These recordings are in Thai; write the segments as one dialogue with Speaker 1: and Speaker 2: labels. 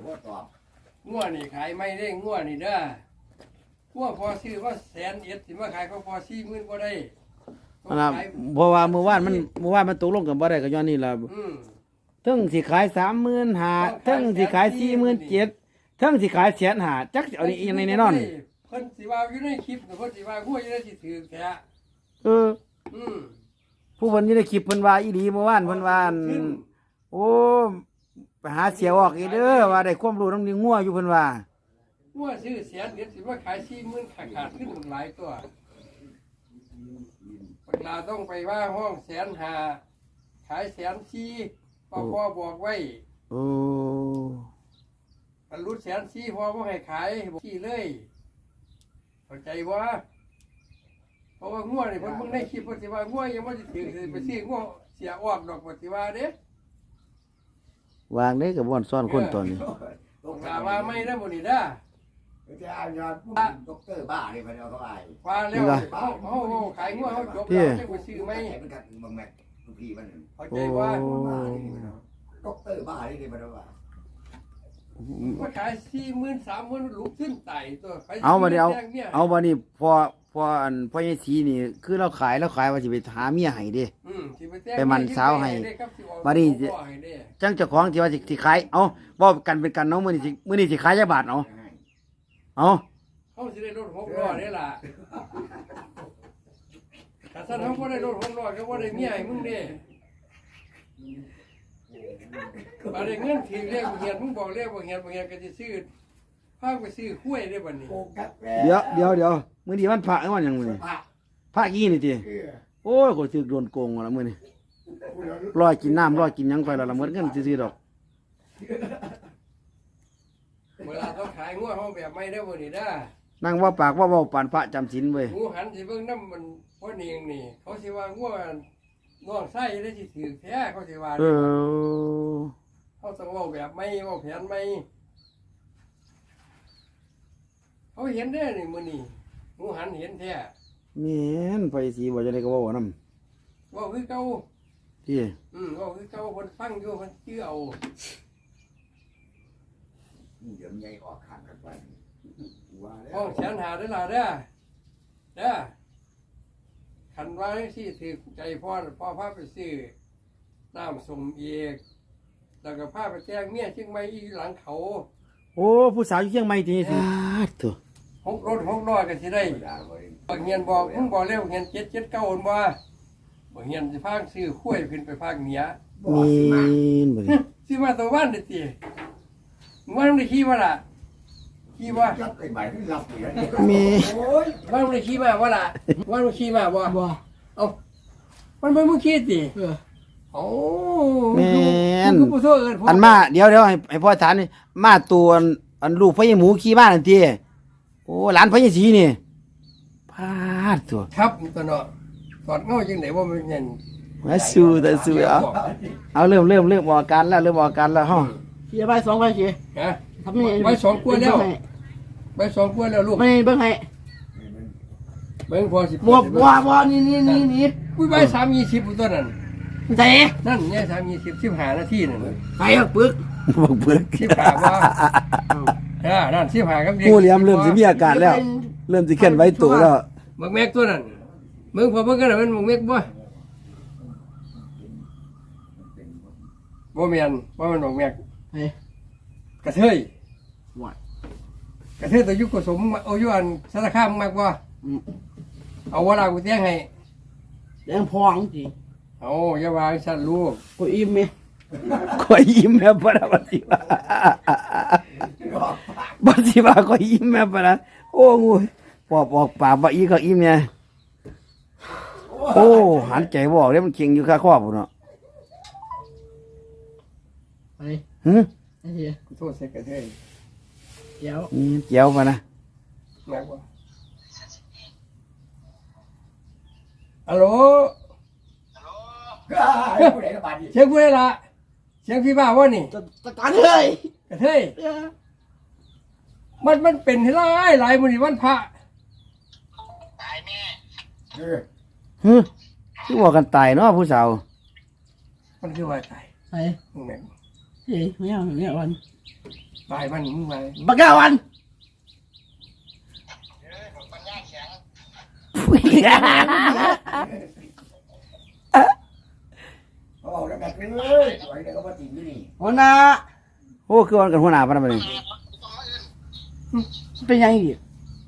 Speaker 1: งัวนี่ขายไม่ได้งัวนี่เด้องัวพอซื้อว่า100,000สิมาขายเขาพอ40,000บ่ได้
Speaker 2: เพราะว่าเมื่อวานมันตกลงกันบ่ได้ก็ย้อนนี่ล่ะถึงสิขาย35,000ถึงสิขาย47,000ถึงสิขาย150,000จักเอานี่ยังไงแน่นอน
Speaker 1: เพิ่นสิว่าอยู่ในคลิปเพิ่นสิว่างัวอยู่ในสิถือแท้
Speaker 2: ผู้เพิ่นอยู่ในคลิปเพิ่นว่าอีหลีเมื่อวานเพิ่นว่าโอ้ไปหาเสียออกอีเด้อว่าได้ความรู้นำนี่งัวอยู่เพิ่นว่า
Speaker 1: งัวซื้อ100,000สิมาขาย40,000ขาดขึ้นหลายตัวเวลาต้องไปว่าห้อง150,000ขาย140,000พ่อบอกไว้บรรลุ140,000พ่อบ่ให้ขายที่เลยเข้าใจบ่เพราะว่างัวนี่เพิ่นเบิ่งในคลิปเพิ่นสิว่างัวยังบ่สิถือไปซื้องัวเสียออกดอกบ่สิว่าเด้
Speaker 2: วางได้ก็บ่อนซ่อนคนตอนนี้
Speaker 1: กาว่าไม่ได้บ่นี่เด้อ
Speaker 3: จะเอายอดด็อกเตอร์บ้านี่เพิ่นเอาเข้าไป
Speaker 1: ว่าแล้วเฮาขายงัวเฮาจบแล้วจังไปซื้อไหม
Speaker 3: มันกัดบางแม็กทุกทีมัน
Speaker 1: เข้าใจว่า
Speaker 3: ด็อกเตอร์บ้านี่เพิ่นเอาว่า
Speaker 1: ว่าขาย40,000 30,000ลูกขึ้นไตตัว
Speaker 2: เอาบัดนี้เอาบัดนี้พออันพ่อยายศรีนี่คือเราขายว่าสิไปหาเมียให้เด้ไปมันสาวให้บัดนี้จังเจ้าของที่ว่าสิขายเอาบ่กันเป็นกันเนาะมื้อนี้สิขายจักบาทเอา
Speaker 1: เฮาสิได้รถ6ล้อนี่ล่ะถ้าซั่นเฮาบ่ได้รถ6ล้อก็บ่ได้เมียให้มึงเด้บ่ได้เงินถึงเรียกบ่เฮ็ดมึงบอกเรียกบ่เฮ็ดก็สิซื้อพาไปซื้อข้วยได้บัดนี้
Speaker 2: เดี๋ยวมื้อนี้วันพระวันหยังมื้อนี้พระกี่นี่ติโอ้ยก็ถูกโดนโกงแล้วมื้อนี้รอกินน้ำรอกินหยังไปแล้วละหมดเงินซื่อๆดอก
Speaker 1: เวลาต้องขายงัวเฮาแบบไม่ได้บ่นี่เด้อ
Speaker 2: นั่งว่าปากว่าเว้าปานพระจำศีลเว้ย
Speaker 1: หมูหันสิเบิ่งนำมันพ่อเนียงนี่เขาสิว่างัวน้องไส้ได้สิถือแท้เขาสิว่าเขาต้องเว้าแบบไม่เว้าแผนไม่เขาเห็นได้นี่มื้อนี้หมูหันเห็นแท้
Speaker 2: แม่นไปสิบ่จะได้ก็เว้าน
Speaker 1: ำเว้าคือเก่า
Speaker 2: ที่
Speaker 1: เว้าคือเก่าเพิ่นฟังอยู่เพิ่นชื่อเอา
Speaker 3: เดี๋ยวใหญ่ออกข้างกันไป
Speaker 1: ห้อง150,000ได้ล่ะเด้อคันว่าสิถือใจพ่อพาไปซื้อน้ำส้มเอกแล้วก็พาไปแจ้งเมียเชียงใหม่อีหลังเขา
Speaker 2: โอ้ผู้สาวอยู่เชียงใหม่ที่นี่สิ
Speaker 1: ถูก6ล้อก็สิได้บ่เฮียนบอกมึงบอกแล้วเฮียน779บ่บ่เฮียนสิพาซื้อข้วยขึ้นไปภาคเหนือ
Speaker 2: มีนบ่
Speaker 1: สิมาตะวันได้ติมึงได้ขี่บ่ล่ะขี่บ่
Speaker 3: จับไอ้ใบที่รับอยู่
Speaker 2: มี
Speaker 1: โอ้ยว่ามึงได้ขี่มาบ่ล่ะว่ามึงขี่มาบ่เอ้ามันบ่มึงขี่ติโอ้
Speaker 2: แม่นอันมาเดี๋ยวให้พ่อถามนี่มาตัวอันลูกพ่อใหญ่หมูขี่มานั่นติโอ้หลานพ่อใหญ่ศรีนี่พาดตัว
Speaker 1: ครับตัวเนาะสอดเงาจังได๋ว่ามันเงิน
Speaker 2: มาสู้เอาเริ่มออกอาการแล้วเฮา
Speaker 4: เสียใบ2ใบสิ
Speaker 1: ฮะทำนี่ใบ2กว่าแล้วใบ2กว่าแล้วลูก
Speaker 4: ไม่เบิ่งให้
Speaker 1: เบิ่งพอสิ
Speaker 4: บ่นี่
Speaker 1: อุ้ยใบ320ตัวนั้น
Speaker 4: ใส่
Speaker 1: นั่นเนี่ย320 15นาทีนั่น
Speaker 4: ไปปึก
Speaker 1: 15บ่นั่น15ครับเด็ก
Speaker 2: งูเหลี่ยมเริ่มสิมีอาการแล้วเริ่มสิเคลื่อนไหวตัวแล้ว
Speaker 1: บักแม็กตัวนั้นมึงพอเบิ่งกันมันบักแม็กบ่แม่นบ่มันบักแม็กกระเทยกระเทยตัวยุคกสมเอาอยู่อันสารคามมากบ่เอาเวลากูแจ้งให้
Speaker 4: แดงพองสิ
Speaker 1: เอาอย่าวางสั่นลูก
Speaker 4: กูอิ่มมั้ย
Speaker 2: ก็อิ่มแม่บ่ล่ะบ่สิว่าก็อิ่มแม่บ่ล่ะโอ้งูปอบออกปากบ่อีก็อิ่มเนี่ยโอ้หันใจบ่ออกเด้มันเข่งอยู่คาคอพุ่นเนาะ
Speaker 4: ไปไอ้เหี้ย
Speaker 1: กูโทษใส่กระเทย
Speaker 4: เจี
Speaker 2: ยวมานะ
Speaker 1: แม่บ่ฮัลโหลเสียงผู้ใดล่ะเสียงพี่บ้าวะนี่
Speaker 4: ตะการเฮ้ย
Speaker 1: กระเทยมันเป็นหลายมื้อนี้วันพระ
Speaker 3: ตายแม่
Speaker 2: คือว่ากันตายเนาะผู้สาว
Speaker 1: มันคือว่าตาย
Speaker 4: ไอ้แม่เฮ้ยไม่เอาวัน
Speaker 1: ไปมันมึงไป
Speaker 4: บักกาวัน
Speaker 3: เขาบอกแล้วกันเลยสวยเลยก็มาจริงที่นี่
Speaker 4: หัวหน้า
Speaker 2: โอ้คือวันกันหัวหน้าปานนั้นบัดนี้
Speaker 4: เป็นยังอีก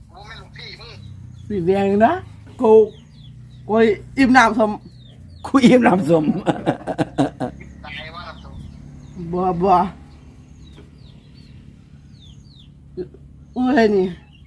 Speaker 4: พี่เบียงนะกูอิ่มน้ำสม
Speaker 2: คุยอิ่มน้ำสม
Speaker 4: บัวอุ้ยนี่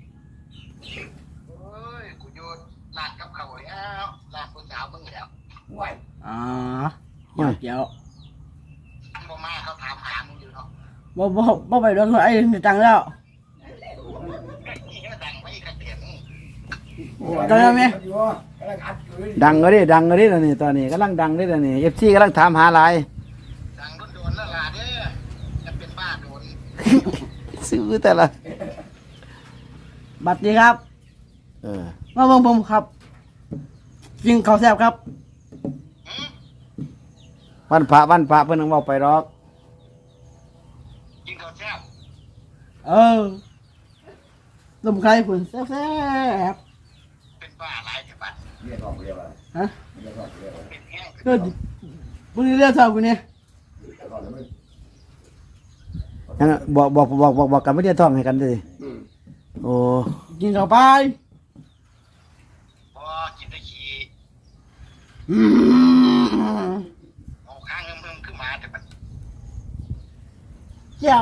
Speaker 5: กูอยู่ร้านกับเขาแล้วร้านผู้สาวมึงแล้ว
Speaker 3: ไหว
Speaker 4: อ๋อเดี๋ยว
Speaker 5: บ่มาเขาถามหามึงอยู่เนาะ
Speaker 4: บ่ไปโดนไอ้จังแล้ว
Speaker 5: นี่ก็ดังไว้กระเตียน
Speaker 4: จังแล้วไหม
Speaker 3: อยู่กำลังอัดอยู่เลย
Speaker 2: ดังก็ดิตอนนี้ตอนนี้กำลังดังเด้ตอนนี้ FC กำลังถามหาหลาย
Speaker 5: ดังโดนแล้วล่ะเด้อจะเป็นบ้าโดน
Speaker 2: ซื้อแต่ละ
Speaker 4: บัตรดีครับ
Speaker 2: เออ
Speaker 4: มาเบิ่งผมครับกินข้าวแซ่บครับ
Speaker 2: วันพระเพิ่นนึงเว้าไปดอก
Speaker 5: กินข้าวแซ่บ
Speaker 4: ลมไข่ฝุ่นแซ่บ
Speaker 5: เป็นบ้าหลายจังหวัด
Speaker 3: เรียกร้องเรียกว่า
Speaker 4: ฮะ
Speaker 3: เรียกร้องเรียกว่า
Speaker 5: เป็นแห้ง
Speaker 4: ก็มึงเรียกเท่ากูเนี่ย
Speaker 3: เรียกร้องแล้วมึง
Speaker 2: ยังบอกกันไม่ได้ท่องให้กันเด้โอ้
Speaker 4: กินข้าวไป
Speaker 5: พอกินได้ขี้
Speaker 4: อืม
Speaker 5: เอาข้างเงิมขึ้นมาแต่มัน
Speaker 4: เจ้า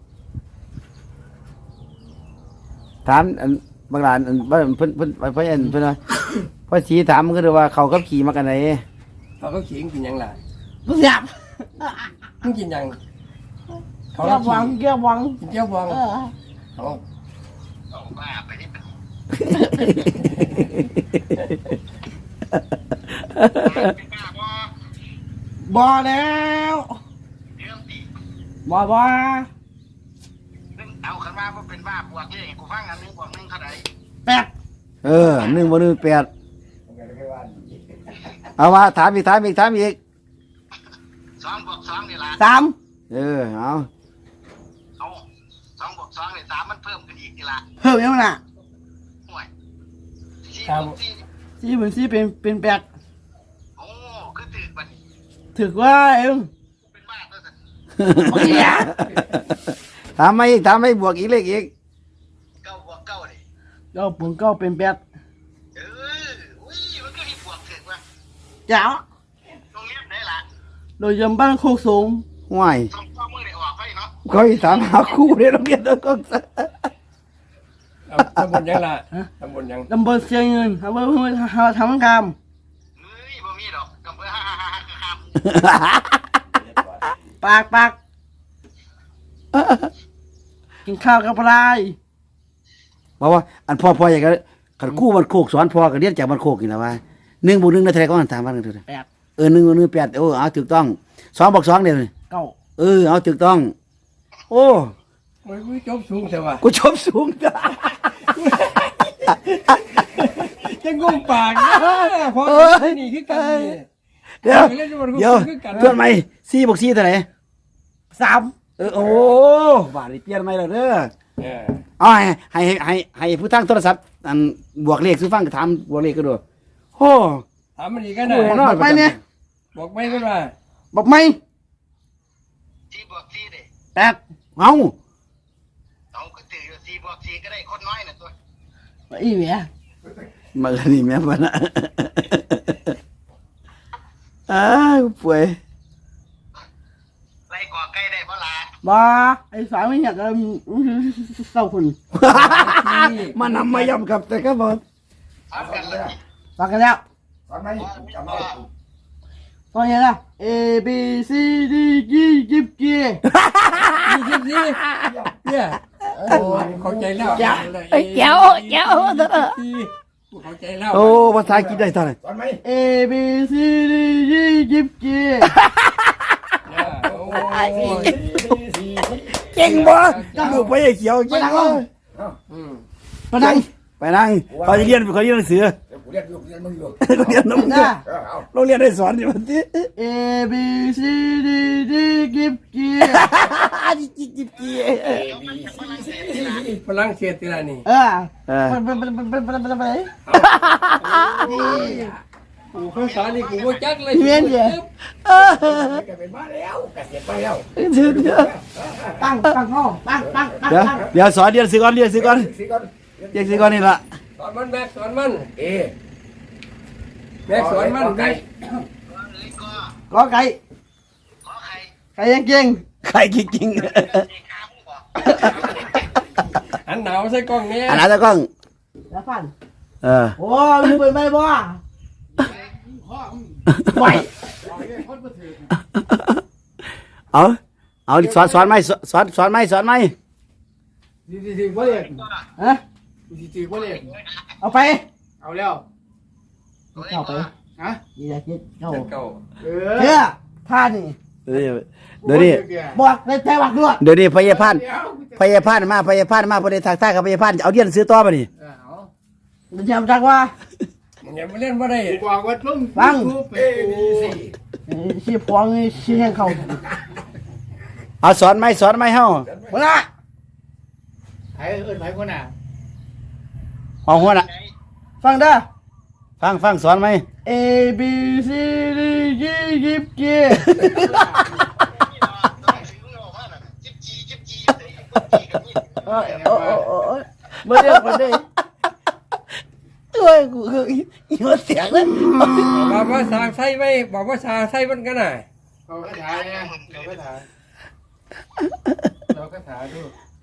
Speaker 2: ถามอันบางหลานอันว่าเพิ่นว่าพ่อสีถามมันก็เลยว่าเขากับขี่มากันไหน
Speaker 1: เขาก็ขิงกินยังล่ะ
Speaker 4: ลูกแซ่บ
Speaker 1: มึงกินยังเขา
Speaker 4: แก้ววัง
Speaker 1: กิน
Speaker 4: แก้ววัง
Speaker 1: กินเจ้าบองเขา
Speaker 5: เอาบ้าไปนี่เป็นเป็นบ้าบ่
Speaker 4: บ่แล้ว
Speaker 5: เรื่องตี
Speaker 4: บ่
Speaker 5: เอาขึ้นมาว่าเป็นบ้าปวดนี่กูฟังอันนึงบอกนึงเท่าไหร่
Speaker 4: แปด
Speaker 2: เออ1 บ่ 1 8
Speaker 3: มึงก็เลยไม่ว่า
Speaker 2: เอามาถามอีก
Speaker 5: 2 บวก 2นี่ล่ะ
Speaker 4: สาม
Speaker 2: เออเอา
Speaker 5: เอา2 บวก 2นี่3มันเพิ่มขึ้นอีกนี่ล่ะ
Speaker 4: เพิ่มยังน่ะ
Speaker 5: ห่วย4 บวก 4
Speaker 4: สี่เป็นสี่เป็นแปด
Speaker 5: โอ้คือตื่นบัดนี้
Speaker 4: ถือว่าเอ็ม
Speaker 5: เป็นบ้าตัวสัน
Speaker 4: โอ้ยอะ
Speaker 2: ถามมาอีกบวกอีกเลขอีก
Speaker 5: 9 บวก 9นี่
Speaker 4: เก้าปุ่นเก้าเป็นแปด
Speaker 5: อุ้ยมันก็มีบวกถึงว่ะ
Speaker 4: เจ้า
Speaker 5: โรงเรียนได้ล่ะ
Speaker 4: โดยยำบ้านโคกสูง
Speaker 2: ห่วย
Speaker 5: 2 มือได้ออกไปเนาะ
Speaker 2: เขาอีถามหาคู่ในโรงเรียนแล้วก็
Speaker 1: เอาตำบลยังล่ะตำบลยัง
Speaker 4: ตำบลเชียงเงินทำเพื่อทำงาน
Speaker 5: เฮ้ยบ่มีดอกกำเพื่อฮ่าๆๆ
Speaker 4: ปากกินข้าวกับอะไร
Speaker 2: บอกว่าอันพ่ออยากจะขันกู้มันโคกสอนพ่อก็เรียนจากมันโคกนี่แหละว่า1 บวก 1ได้เท่าไหร่ก็ถามว่าเท่าไหร่
Speaker 4: แปด
Speaker 2: 1 บวก 1 8เอาถูกต้อง2 บวก 2เดี๋ยวนี้
Speaker 4: เก้า
Speaker 2: เอาถูกต้อง โอ้
Speaker 1: โอ้ยกูจบสูงใช่ป่ะ
Speaker 2: กูชมสูงจ้ะ
Speaker 1: จะงงปากนะพอนี่คือกันนี่
Speaker 2: เดี๋ยวเพื่อนไหม4 บวก 4เท่าไหร่
Speaker 4: สาม
Speaker 2: โอ้บาดนี้เปลี่ยนใหม่แล้วเด้อ
Speaker 1: เออ
Speaker 2: เอาให้ผู้ตั้งโทรศัพท์อันบวกเลขซื้อฟังก็ถามบวกเลขก็ดูโอ้
Speaker 1: ถามมันอีกกันนะ
Speaker 4: บอกไปเนี่ย
Speaker 1: บอกไม่ก็ว่า
Speaker 4: บอกไม่
Speaker 5: 4 บวก 4เด้
Speaker 4: แปด
Speaker 2: เอา
Speaker 5: เอาก็ตื่นอยู่4 บวก 4ก็ได้คนน้อยน่ะตัว
Speaker 4: อีเมีย
Speaker 2: มากันนี่แม่บ่นะอ้าวป่วย
Speaker 5: ไล่ก่อไก่ได้บ่ล่ะ
Speaker 4: บ้าไอ้สายไม่อยากจะเศร้าคุณ
Speaker 2: มานำมาย่ำกับแต่ก็บอก
Speaker 5: ถามกันเลย
Speaker 4: ฟังกันแล้ว
Speaker 3: ฟังไหมจำเอา
Speaker 4: ตอนนี้นะ A B C D G ยิบกี
Speaker 1: นี่คิดสิเนี่ยโอ้เข้าใจแล้ว
Speaker 2: เจ้า
Speaker 1: เข้าใจแล้ว
Speaker 2: โอ้ภาษาอังกฤษได้เท่าไหร่
Speaker 3: ฟังไหม
Speaker 4: A B C D G ยิบกี
Speaker 2: เก่งบ่ลูกไปเขียวเก่งบ่
Speaker 4: ไปนั่ง
Speaker 2: ไปนั่งเขาจะเรียนหนังสือ
Speaker 3: เเรียนอยู่เรียนมึงอยู่
Speaker 2: โรงเรียนน้ำ
Speaker 4: นะ
Speaker 3: เอา
Speaker 2: โรงเรียนได้สอนอยู่มันสิ
Speaker 4: A B C D D กิบกี
Speaker 2: จิบกี้
Speaker 1: ฝรั่งเศสทีละนี่
Speaker 4: มันไป
Speaker 1: กูภาษานี่กูบ่จักเลย
Speaker 4: เวียนเดีย
Speaker 3: แกเป็นบ้าแล้วแกเสียไปแล้ว
Speaker 4: ตั้งห้องตั้ง
Speaker 2: เดี๋ยวสอนเรียนสิก่อนเรียนสิก่อน
Speaker 3: สิก่อน
Speaker 2: เรียนสิก่อนนี่ล่ะ
Speaker 1: สอนมันแบกสอนมัน
Speaker 3: เอ
Speaker 1: แบกสอนมันแบก
Speaker 4: ก็ไก่
Speaker 5: ขอใคร
Speaker 4: ไก่ยังเก่ง
Speaker 2: ใครจริง
Speaker 5: เด็กขาผู้บอก
Speaker 1: อันหนาวใส่กล้องเนี้ย
Speaker 2: ๆอันนั้นตะกล้อง
Speaker 4: แล้วฟัน
Speaker 2: เออ
Speaker 4: โอ้ยเปิดไม่บ่ไหว
Speaker 2: เอาสอนไหมสอนไหม
Speaker 4: ฮะเอาไป
Speaker 5: เอาแล้ว
Speaker 4: เข้าไปฮะอย่าคิดเข้า
Speaker 1: เก่า
Speaker 4: เชื่อท่านี่
Speaker 2: เดี๋ยวนี้
Speaker 4: บอกในใจวักด้วย
Speaker 2: เดี๋ยวนี้พยาพานมาพยาพานมาพอได้ทักทายกับพยาพานเอาเรียนซื้อต่อป่ะนี่
Speaker 4: มันจำจักว่า
Speaker 1: มันยังไม่เล่นบ่ได้
Speaker 5: บอกว่าลุง
Speaker 4: ฟัง
Speaker 3: เอบีซี
Speaker 4: ชี้พวงชี้แห่งเขา
Speaker 2: เอาสอนไหมเฮา
Speaker 4: หัวหน้า
Speaker 5: ไอ้เอิ้นไผคนน่ะ
Speaker 2: เอาหัวน่ะ
Speaker 4: ฟังเด้อ
Speaker 2: ฟังสอนไหม
Speaker 4: A B C D G กิบกี เมื่อเดียวกันได้
Speaker 2: เอ้ยกูคืออีหัวเสียงเลย
Speaker 1: บอกว่าสาใส่ไว้บอกว่าสาใส่มันกันน่ะ
Speaker 5: เขาก็ถ่ายเนี่ยเขาก็ถ่ายเราก็ถ่ายดู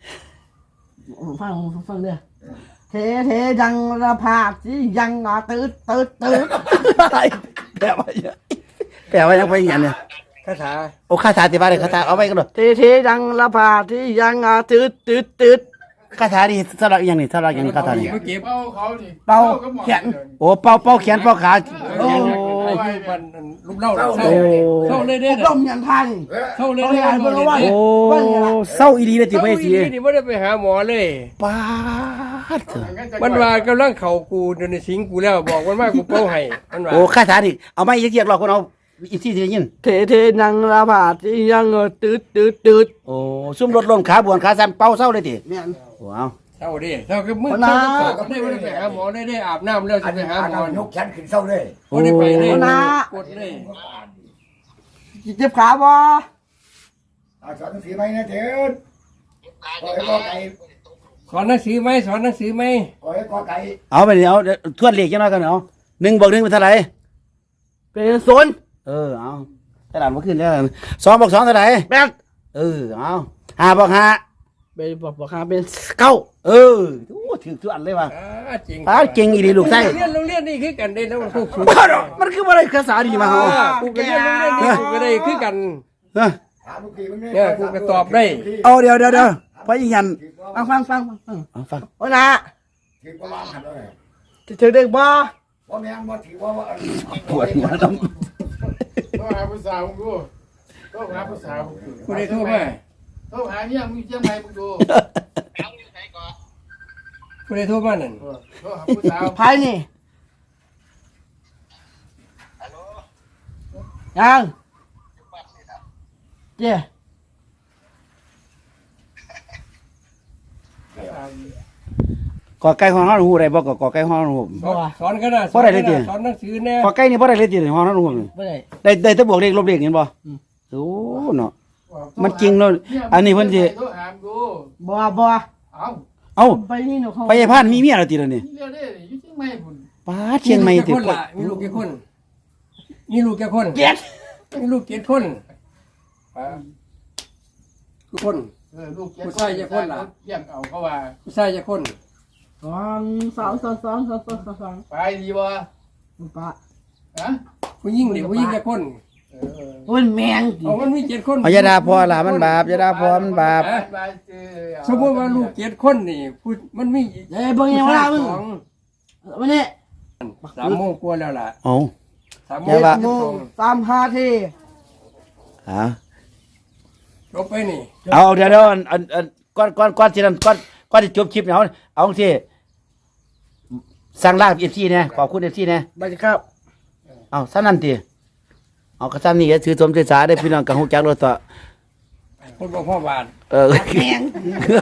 Speaker 4: ฟังเด้อเทดังระพากสิยังตืด
Speaker 2: แปลว่ายังไปอย่างเนี่ย
Speaker 1: คาถา
Speaker 2: โอ้คาถาติบาเลยคาถาเอาไว้กันหน่อย
Speaker 4: เทดังระพากสิยังตืด
Speaker 2: คาถานี่สำหรับอย่างนี้สำหรับอย่างนี้คาถานี่
Speaker 1: เมื่อกี้
Speaker 5: เอาเขาดิ
Speaker 4: เป่าแขน
Speaker 2: โอ้เป่าแขนเป่าขา
Speaker 1: โอ้ยมันลูกเล่าเข้าเลยเด้
Speaker 4: ลมยันท่านี่
Speaker 1: เข้าเลย
Speaker 4: เขา
Speaker 1: เด้
Speaker 4: อ่านเพิ่นว่า
Speaker 2: โอ้เศร้าอีดีเลยติไปสิ
Speaker 1: นี่ไม่ได้ไปหาหมอเลย
Speaker 2: ป้าดเถอะ
Speaker 1: มันว่ากำลังเข่ากูเดินในสิงกูแล้วบอกมันว่ากูเป้าให้มันว่า
Speaker 2: โอ้คาถานี่เอาไม่เยียกหรอกคนเอาอีกที่ที่ยิน
Speaker 4: เทดังระพากสิยังตืด
Speaker 2: โอ้ซุ่มรถลมขาบวนขาสั่นเป่าเศร้าเลยติ
Speaker 4: เนี่ย
Speaker 2: ว้าว
Speaker 1: เศร้าดิเศร้าคือมือเศร้าก็ได้ไม่ได้ไปหาหมอได้อาบน้ำแล้ว
Speaker 3: อั
Speaker 1: จะ
Speaker 3: น
Speaker 1: ไป
Speaker 3: นี้
Speaker 1: หา
Speaker 3: หา
Speaker 1: หมอ
Speaker 3: นกฉันขึ้นเศร้าเลย
Speaker 1: ไม่ได้ไปเลยกดเลย
Speaker 4: เจ็บขาบ่
Speaker 3: สอนหนังสือไหมนะเถิดขอให้กอไก่
Speaker 1: สอนหนังสือไหมสอนหนังสือไหม
Speaker 3: ขอให้กอไก่
Speaker 2: เอาไปนี่เอาทวนเลขจังน้อยกันเอา1 บวก 1เป็นเท่าไหร่
Speaker 4: เป็นศูนย์
Speaker 2: เอาตลาดมาขึ้นแล้ว2 บวก 2เท่าไหร่
Speaker 4: แปด
Speaker 2: เอา5 บวก 5
Speaker 4: เป็นบอกหาเป็นเก้า
Speaker 2: โอ้ถือทุกอันเลยว่ะ
Speaker 1: จริง
Speaker 2: เก่งอีดีลูกไส้
Speaker 1: โรงเรียนนี่คือกันได้แล้วมันคู่
Speaker 2: มันคืออะไรภาษาดีมาเหรอ
Speaker 1: กูก็เรียนโรงเรียนนี่กูก็ได้คือกัน
Speaker 3: ถามลูกพี่มึง
Speaker 1: เนี่ยกูก็ตอบได้
Speaker 2: เอาเดี๋ยวพอยิงยัน
Speaker 4: ฟัง
Speaker 2: ฟัง
Speaker 4: โอ้นะ
Speaker 3: ถือประมาณหันเลย
Speaker 4: ถือเด็กบ่
Speaker 3: ว่าแม่งว่าถือว่า
Speaker 2: ปวดหัวด
Speaker 5: ก็หาผู้สาวมึงดูก็หาผู้สาวมึงดู
Speaker 1: กูได้โทรมา
Speaker 5: โทรหาเนี่ยมึงเจียงไงมึงดู
Speaker 1: กูได้โทรมานั่น
Speaker 5: โทรหาผู้สาว
Speaker 4: ภายนี่ยังเจ้
Speaker 2: กอไก่ห้องนอนหูได้บ่กอไก่ห้องนอนหู
Speaker 1: สอนกันนะสอนหนังสือแน่
Speaker 2: กอไก่นี่บ่ได้เลยติห้องนอนหู
Speaker 4: ไม่ได้
Speaker 2: ได้แต่บวกเลขลบเลขเห็นบ่โอ้เนาะมันจริงเนาะอันนี้เพิ่นสิ
Speaker 5: โทรหาดู
Speaker 4: บ่
Speaker 5: เอา
Speaker 2: เอ้า
Speaker 4: ไปนี่เนาะเขา
Speaker 2: พยาพานมีเมียแล้วติแล้วนี่
Speaker 5: เรียกได้อยู่เชียงใหม่พุ่น
Speaker 2: ป้าเชียงใหม่ติ
Speaker 1: มีลูกกี่คนมีลูกกี่คน
Speaker 4: เจ็ด
Speaker 1: มีลูกกี่คนทุกคน
Speaker 5: ลูกเลี้ยงเอาเขาว่า
Speaker 1: ผู้ชายกี่คน
Speaker 4: สอง
Speaker 5: ไปดีบ่
Speaker 4: ปะ
Speaker 5: ฮะ
Speaker 1: ผู้หญิงนี่ผู้หญิงกี่คน
Speaker 4: โอ้ยแมง
Speaker 1: เอามันมี7 คน
Speaker 2: อย่าด่าพ่อล่ะมันบาปอย่าด่าพ่อมันบาป
Speaker 1: สมมติว่าลูก7 คนนี่มันมี
Speaker 4: เอ้ยเบิ่งยังว่ามึงวันนี้
Speaker 1: 3 โมงกว่าแล้วล่ะ
Speaker 2: เอ้า
Speaker 1: 3 โม
Speaker 2: อย่าว่า
Speaker 1: ง
Speaker 4: โมง35ที
Speaker 1: ลบไปนี่
Speaker 2: เอาเดี๋ยวก่อนสินั่นก่อนสิจบคลิปเนี่ยเอาสิสั่งลา FC เนี่ยขอบคุณ FC เนี่ย
Speaker 4: บัดครับ
Speaker 2: เอาซะนั่นติเอาก็ซ้ำนี่ก็ถือสมถือสาได้อพี่น้องกับฮู้จักรถต่อ
Speaker 1: คนบ่พ่อบาท
Speaker 2: เออ